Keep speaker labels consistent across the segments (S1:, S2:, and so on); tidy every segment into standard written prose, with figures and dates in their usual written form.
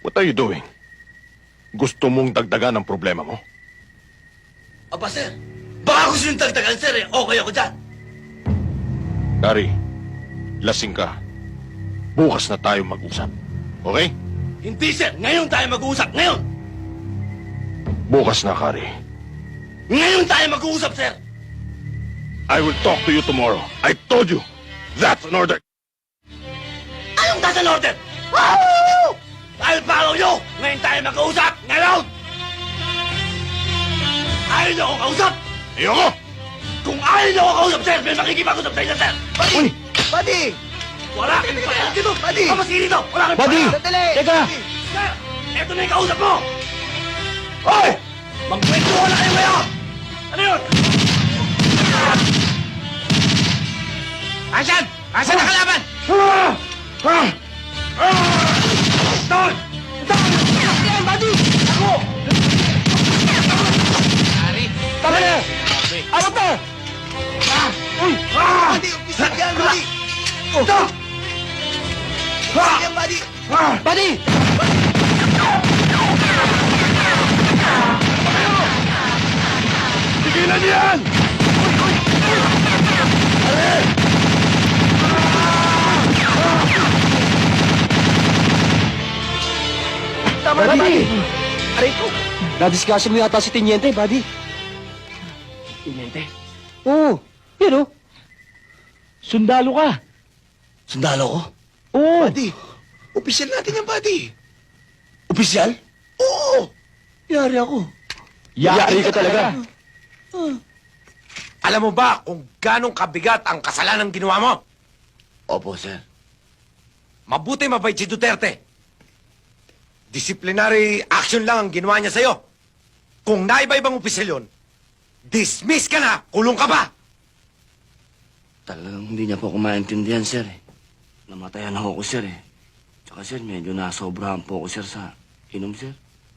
S1: What are you doing? Gusto mong dagdagan ang problema mo?
S2: Aba, sir. Baka gusto yung dagdagan, sir, eh. Okay ako dyan.
S1: Gary, lasing ka. Bukas na tayo mag-usap. Okay?
S2: Hindi, sir. Ngayon tayo mag-uusap. Ngayon!
S1: Bukas na, Gary.
S2: Ngayon tayo mag-uusap, sir!
S1: I will talk to you tomorrow. I told you. That's an order.
S2: Anong that's an order? Woo! I'll follow you! Ngayon tayo mag-uusap! Ngayon! Ayaw niyo akong kausap!
S1: Ayoko!
S2: Kung ayaw niyo akong kausap, sir, may makikipag-usap sa inyo, sir!
S1: Uy!
S3: Buddy!
S2: Wala kang pakialam dito!
S3: Buddy!
S2: Kamasiri dito! Wala kang
S4: Buddy!
S2: pakialam!
S3: Sandali!
S4: Teka!
S2: Sir! Eto na yung kausap mo! Hoy! Magkwentuhan na kayo ngayon! Ano yun?
S4: Asan? Asan ang kalaban?
S2: Doon!
S4: Ayan, buddy! Ako! Ari! Tama na! Ano to?
S3: Buddy! Umpisa yan, buddy!
S2: Ito!
S3: Umpisa yan, buddy!
S4: Buddy!
S1: Tigilan niyo yan!
S4: Tama na, buddy! Aray ko! Nadiscuss mo yata si Tiniente, buddy.
S2: Tiniente?
S4: Oo. Yan o. Sundalo ka.
S2: Sundalo ko?
S4: Oo.
S3: Buddy! Opisyal natin yan, buddy!
S2: Opisyal?
S3: Oo!
S2: Yari ako.
S4: Yari ka talaga.
S5: Alam mo ba kung ganong kabigat ang kasalanan ginawa mo?
S2: Opo, sir.
S5: Mabuti mabait si Duterte. Disciplinary action lang ang ginawa niya sa'yo. Kung naiba-ibang opisyal yun, dismiss ka na, kulong ka ba?
S6: Talagang hindi niya po ako maintindihan, sir. Namatayan ako, sir, eh. Tsaka, sir, medyo nasobrahan po ako, sir, sa inom, sir.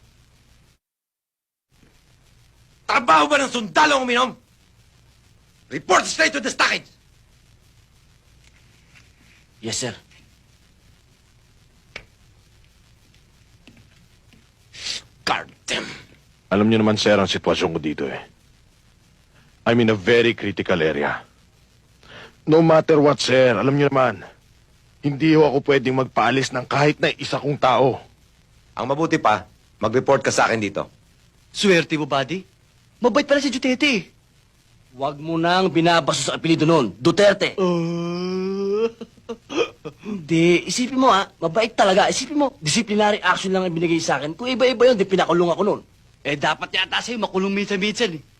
S5: Trabaho ba ng sundalo ang uminom? Report straight to the stockage.
S6: Yes, sir.
S5: Goddamn.
S1: Alam niyo naman, sir, ang sitwasyon ko dito eh. I'm in a very critical area. No matter what, sir, alam niyo naman, hindi ho ako pwedeng magpaalis ng kahit na isa kong tao.
S5: Ang mabuti pa, mag-report ka sa akin dito.
S2: Swerte mo, buddy. Mabait pala si Duterte.
S6: Huwag mo nang binabaso sa apelido nun, Duterte. Hindi, isipin mo mabait talaga. Isipin mo, disciplinary action lang ang binigay sa akin. Kung iba-iba yun, di pinakulong ako nun.
S2: Eh, dapat yata sa'yo makulong minsan-minsan, eh.